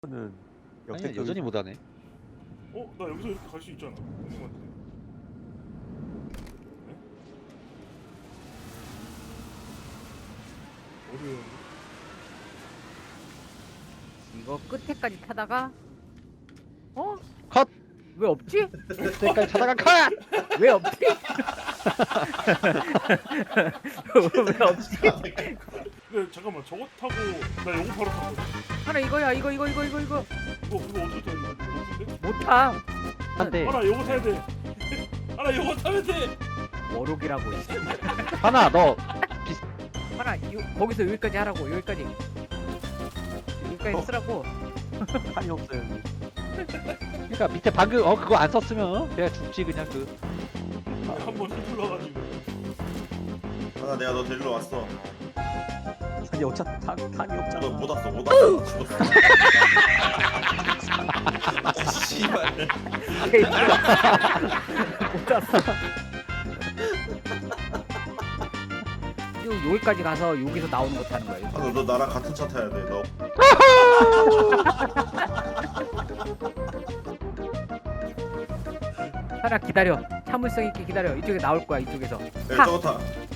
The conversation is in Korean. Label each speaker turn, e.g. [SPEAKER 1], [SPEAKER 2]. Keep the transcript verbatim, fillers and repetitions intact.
[SPEAKER 1] 는
[SPEAKER 2] 아니
[SPEAKER 1] 역대급
[SPEAKER 2] 여전히 못하네.
[SPEAKER 3] 어? 나 여기서 이렇게 갈 수 있잖아. 형님한테. 네? 어디에?
[SPEAKER 4] 이거 끝에까지 타다가 어?
[SPEAKER 2] 컷!
[SPEAKER 4] 왜 없지?
[SPEAKER 2] 그때까지 타다가 컷!
[SPEAKER 4] 왜 없지? 왜 없지?
[SPEAKER 3] 근데 잠깐만 저거 타고 나 요거 바로 탔거든.
[SPEAKER 4] 하나 이거야 이거 이거 이거 이거 이거
[SPEAKER 3] 이거 그거 어떻게 타는 거야? 높은데?
[SPEAKER 4] 못 타.
[SPEAKER 2] 한대
[SPEAKER 3] 하나 요거 타야 돼. 하나 요거 타면 돼.
[SPEAKER 4] 워록이라고 있어.
[SPEAKER 2] 하나 너
[SPEAKER 4] 하나 요, 거기서 여기까지 하라고 여기까지 여기까지
[SPEAKER 3] 어.
[SPEAKER 4] 쓰라고.
[SPEAKER 1] 판이 없어요. 여기.
[SPEAKER 2] 그러니까 밑에 방금 어 그거 안 썼으면 그냥 죽지 그냥 그
[SPEAKER 3] 한번 휘둘러가지고.
[SPEAKER 5] 하나 내가 너 데리러 왔어.
[SPEAKER 1] 아니 어차 탄 탄이 없잖아.
[SPEAKER 5] 너 못 왔어 못 왔어 나 죽었어. 아, 씨발.
[SPEAKER 4] 못 왔어. 요 여기까지 가서 여기서 나오는 거 타는 거야.
[SPEAKER 5] 아, 너 나랑 같은 차 타야 돼. 너
[SPEAKER 4] 하나 기다려. 참을성 있게 기다려. 이쪽에 나올 거야 이쪽에서.
[SPEAKER 5] 야,
[SPEAKER 4] 타.
[SPEAKER 5] 저거 타.